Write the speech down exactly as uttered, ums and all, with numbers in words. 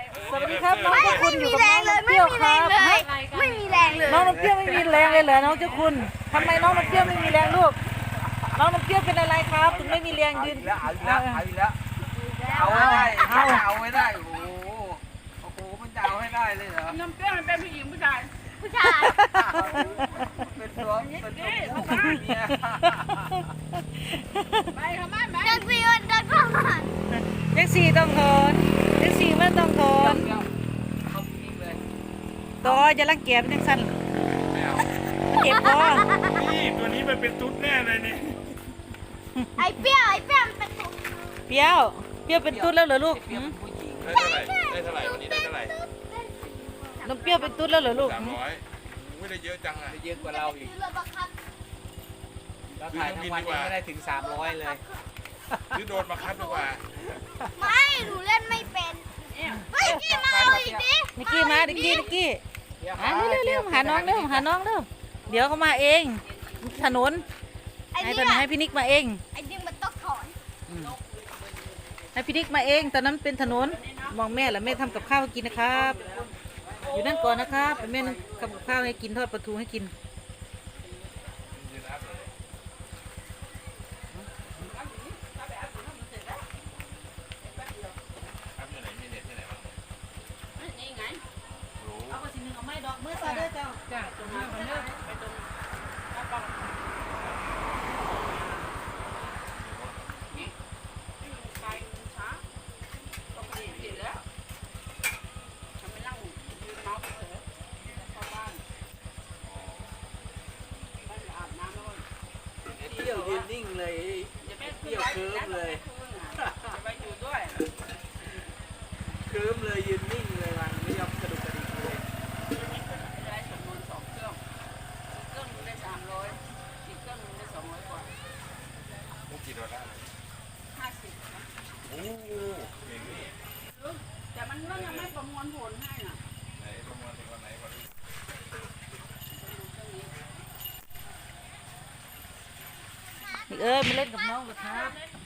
สวัสดีครับน้องเจ้าคุณอยู่กับน้องน้ำเปรี้ยวครับไม่มีแรงเลยน้องน้ำเปรี้ยวไม่มีแรงเลยเหรอน้องเจ้าคุณทำไมน้องน้ำเปรี้ยวไม่มีแรงลูกน้องน้ำเปรี้ยวเป็นอะไรครับถึงไม่มีแรงยืนแล้วเอาอีกแล้วเอาอีกแล้วเอาให้ได้เอาให้ได้โอ้โหโอ้โหมันจะเอาให้ได้เลยเหรอน้ำเปรี้ยวมันเป็นผู้หญิงผู้ชายผู้ชายเป็นตัวเป็นตัวเมียไปเข้ามาไปเดินซีวันเดินเข้ามาเด็กสี่ต้องทนเด็กสี่ไม่ต้องทนเอาอีกเลยต่อจะรังเกียจเป็นจังสั้นเจ็บคอนี่ตัวนี้มันเป็นตุ๊ดแน่เลยนี่ไอ้เปรี้ยวไอ้เปรี้ยวมันเป็นตุ๊ดเปรี้ยวเปรี้ยวเป็นตุ๊ดแล้วเหรอลูกเปรี้ยวเป็นผู้หญิงได้เท่าไหร่ได้เท่าไหร่วันนี้ได้เท่าไหร่น้ำเปรี้ยวเป็นตุ๊ดแล้วเหรอลูกสามร้อยไม่ได้เยอะจังอ่ะเยอะกว่าเราอีกซื้อรถบังคับเราถ่ายทั้งวันยังไม่ได้ถึงสามร้อยเลยหรือโดนมาคัดดีกว่าไม่หนูเล่นไม่เป็นเฮ้ยกี้มาเอาอีกดินิกกี้มานิกกี้นิกกี้อ่ะเร็วเร็วๆหาน้องเร็วหาน้องเร็วเดี๋ยวเขามาเองถนนไอ้ให้นี่ตอนให้พี่นิกมาเองไอ้นี่มันต้องถอนให้พี่นิกมาเองตอนนั้นเป็นถนนมองแม่แล้วแม่ทำกับข้าวให้กินนะครับ อยู่นั่นก่อนนะครับเป็นแม่ทำกับข้าวให้กินทอดปลาทูให้กินครับอยู่ไหนมีเน็ตที่ไหนบ้างนี่ไงรู้เอาไปสิหนึ่งเอาไม้ดอกเมื่อซาเด้อเจ้าจ้ะตรงนี้มันเลิกไปตรงแล้วก็นี่นี่ไปช้าปกติติดแล้วทำไม่นั่งยืนเมาส์เถอะเข้าบ้านบ้านจะอาบน้ำแล้วเปรี้ยวยืนนิ่งเลยอย่าไปเปรี้ยวเคิร์มเลยจะไปอยู่ด้วยเคิร์มเลยยืนนิ่งเลยมันไม่ยอมกระดุกกระดิกเลยได้สมบูรณ์สองเครื่องเครื่องนึงได้สามร้อยอีกเครื่องนึงได้สองร้อยกว่ามุกกี่ดอลลาร์ห้าสิบนะโอ้โหอย่างนี้แต่มันก็ยังไม่ประมวลผลให้น่ะไหนประมาณถึงวันไหนวันนี้นี่เออมาเล่นกับน้องเหรอครับ